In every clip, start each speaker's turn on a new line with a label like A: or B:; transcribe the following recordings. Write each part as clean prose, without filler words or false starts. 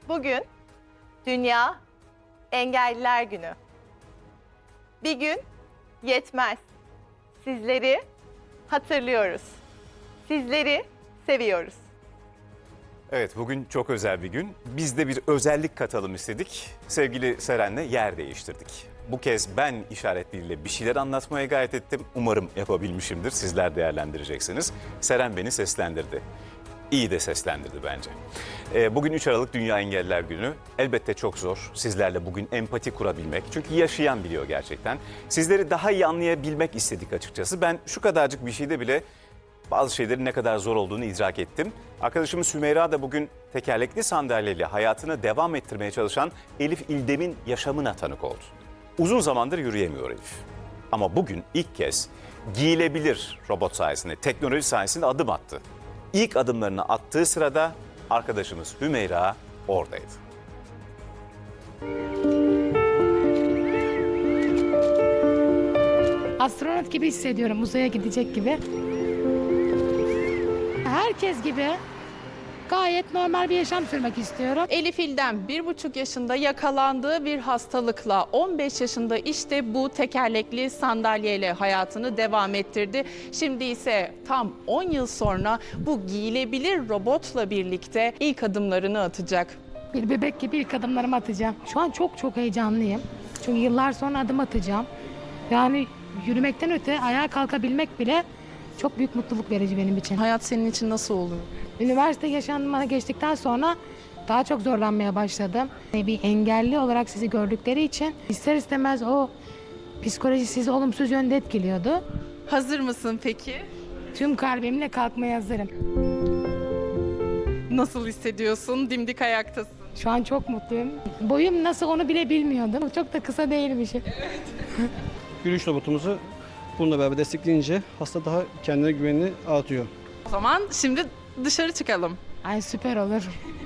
A: Bugün Dünya Engelliler Günü. Bir gün yetmez. Sizleri hatırlıyoruz. Sizleri seviyoruz.
B: Evet, bugün çok özel bir gün. Biz de bir özellik katalım istedik. Sevgili Seren'le yer değiştirdik. Bu kez ben işaretleriyle bir şeyler anlatmaya gayret ettim. Umarım yapabilmişimdir. Sizler değerlendireceksiniz. Seren beni seslendirdi. İyi de seslendirdi bence. Bugün 3 Aralık Dünya Engelliler Günü. Elbette çok zor sizlerle bugün empati kurabilmek. Çünkü yaşayan biliyor gerçekten. Sizleri daha iyi anlayabilmek istedik açıkçası. Ben şu kadarcık bir şeyde bile bazı şeylerin ne kadar zor olduğunu idrak ettim. Arkadaşımız Sümeyra da bugün tekerlekli sandalyeyle hayatını devam ettirmeye çalışan Elif İldem'in yaşamına tanık oldu. Uzun zamandır yürüyemiyor Elif. Ama bugün ilk kez giyilebilir robot sayesinde, teknoloji sayesinde adım attı. İlk adımlarını attığı sırada arkadaşımız Hümeyra oradaydı.
C: Astronot gibi hissediyorum, uzaya gidecek gibi. Herkes gibi gayet normal bir yaşam sürmek istiyorum.
D: Elif İldem 1,5 yaşında yakalandığı bir hastalıkla 15 yaşında işte bu tekerlekli sandalyeyle hayatını devam ettirdi. Şimdi ise tam 10 yıl sonra bu giyilebilir robotla birlikte ilk adımlarını atacak.
C: Bir bebek gibi ilk adımlarımı atacağım. Şu an çok heyecanlıyım. Çünkü yıllar sonra adım atacağım. Yani yürümekten öte ayağa kalkabilmek bile çok büyük mutluluk verici benim için.
D: Hayat senin için nasıl oldu?
C: Üniversite yaşamına geçtikten sonra daha çok zorlanmaya başladım. Bir engelli olarak sizi gördükleri için ister istemez o psikoloji sizi olumsuz yönde etkiliyordu.
D: Hazır mısın peki?
C: Tüm kalbimle kalkmaya hazırım.
D: Nasıl hissediyorsun? Dimdik ayaktasın.
C: Şu an çok mutluyum. Boyum nasıl onu bile bilmiyordum. Çok da kısa değilmişim.
E: Yürüyüş robotumuzu bununla beraber destekleyince hasta daha kendine güvenini artıyor.
D: O zaman şimdi dışarı çıkalım.
C: Ay süper olur.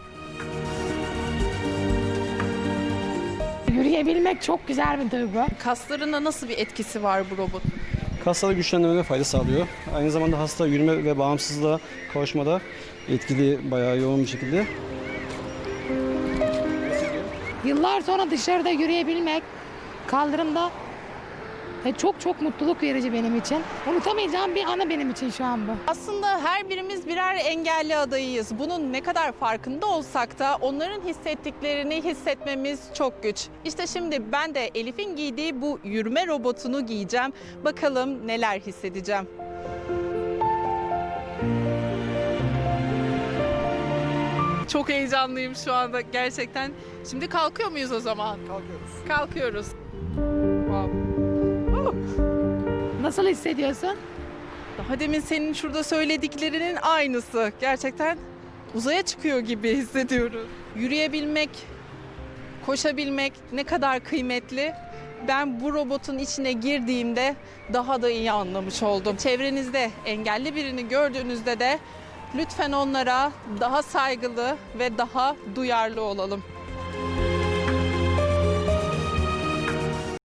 C: Yürüyebilmek çok güzel bir duygu.
D: Kaslarına nasıl bir etkisi var bu robot?
E: Kasları güçlendirmene fayda sağlıyor. Aynı zamanda hasta yürüme ve bağımsızlığa kavuşmada etkili, bayağı yoğun bir şekilde.
C: Yıllar sonra dışarıda yürüyebilmek, kaldırımda çok mutluluk verici benim için. Unutamayacağım bir anı benim için şu an bu.
D: Aslında her birimiz birer engelli adayıyız. Bunun ne kadar farkında olsak da onların hissettiklerini hissetmemiz çok güç. İşte şimdi ben de Elif'in giydiği bu yürüme robotunu giyeceğim. Bakalım neler hissedeceğim. Çok heyecanlıyım şu anda gerçekten. Şimdi kalkıyor muyuz o zaman?
E: Kalkıyoruz.
D: Kalkıyoruz. Wow.
C: Nasıl hissediyorsun?
D: Daha demin senin şurada söylediklerinin aynısı. Gerçekten uzaya çıkıyor gibi hissediyoruz. Yürüyebilmek, koşabilmek ne kadar kıymetli. Ben bu robotun içine girdiğimde daha da iyi anlamış oldum. Çevrenizde engelli birini gördüğünüzde de lütfen onlara daha saygılı ve daha duyarlı olalım.